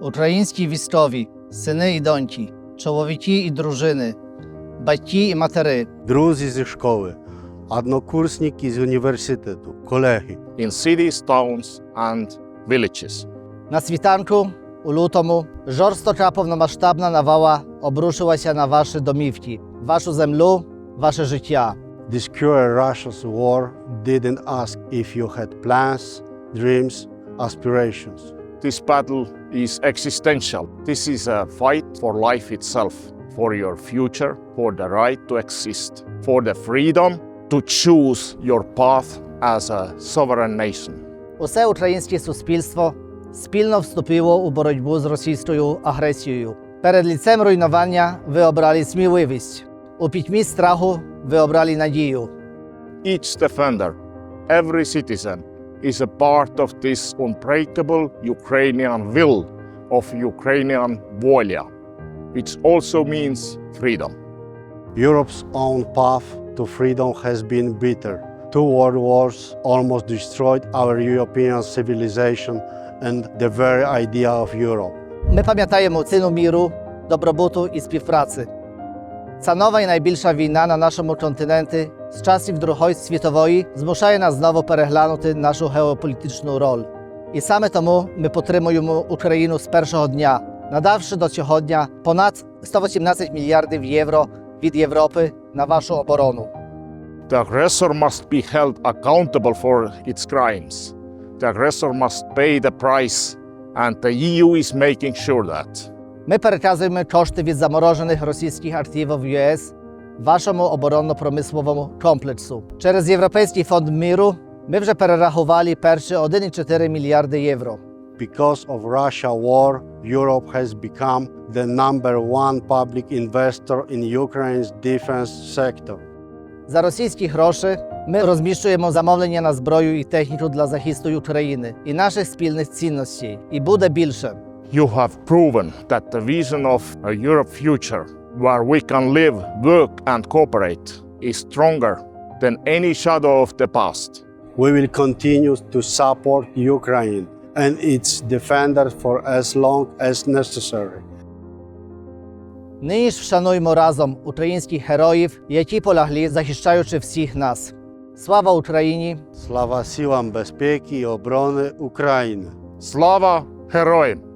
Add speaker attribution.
Speaker 1: Українські військові, сини і доньки, чоловіки і дружини, батьки і матери,
Speaker 2: друзі зі школи, однокурсники з університету, колеги.
Speaker 3: in cities, towns and villages.
Speaker 1: На світанку у лютому жорстока повномасштабна навала обрушилася на ваші домівки, вашу землю, ваше життя.
Speaker 2: This cruel Russia's war didn't ask if you had plans, dreams, aspirations.
Speaker 3: This battle is existential. This is a fight for life itself, for your future, for the right to exist, for the freedom to choose your path as a sovereign nation.
Speaker 1: Усе українське суспільство спільно вступило у боротьбу з російською агресією. Перед лицем руйнування ви обрали сміливість. У пітьмі страху ви обрали надію.
Speaker 3: Each defender, every citizen, is a part of this unbreakable Ukrainian will, of Ukrainian volia, which also means freedom.
Speaker 2: Europe's own path to freedom has been bitter. 2 world wars almost destroyed our European civilization and the very idea of Europe.
Speaker 1: Ми пам'ятаємо ціну міру, добробуту і співпраці. Ця нова і найбільша війна на нашому континенті з часів Другої світової змушає нас знову переглянути нашу геополітичну роль. І саме тому ми підтримуємо Україну з першого дня, надавши до сьогодні понад 118 мільярдів євро від Європи на вашу оборону.
Speaker 3: The aggressor must be held accountable for its crimes. The aggressor must pay the price, and the EU is making sure that.
Speaker 1: Ми переказуємо кошти від заморожених російських активів в ЄС вашому оборонно-промисловому комплексу. Через Європейський фонд миру ми вже перерахували перші 1,4 мільярди євро.
Speaker 2: Because of Russia war, Europe has become the number one public investor in Ukraine's defense sector.
Speaker 1: За російські гроші ми розміщуємо замовлення на зброю і техніку для захисту України і наших спільних цінностей. І буде більше.
Speaker 3: You have proven that the vision of a Europe future, where we can live, work and cooperate, is stronger than any shadow of the past.
Speaker 2: We will continue to support Ukraine and its defenders for as long as necessary.
Speaker 1: Нині ж вшануймо разом українських героїв, які полягли, захищаючи всіх нас. Слава Україні!
Speaker 2: Слава силам безпеки і оборони України!
Speaker 3: Slava heroim!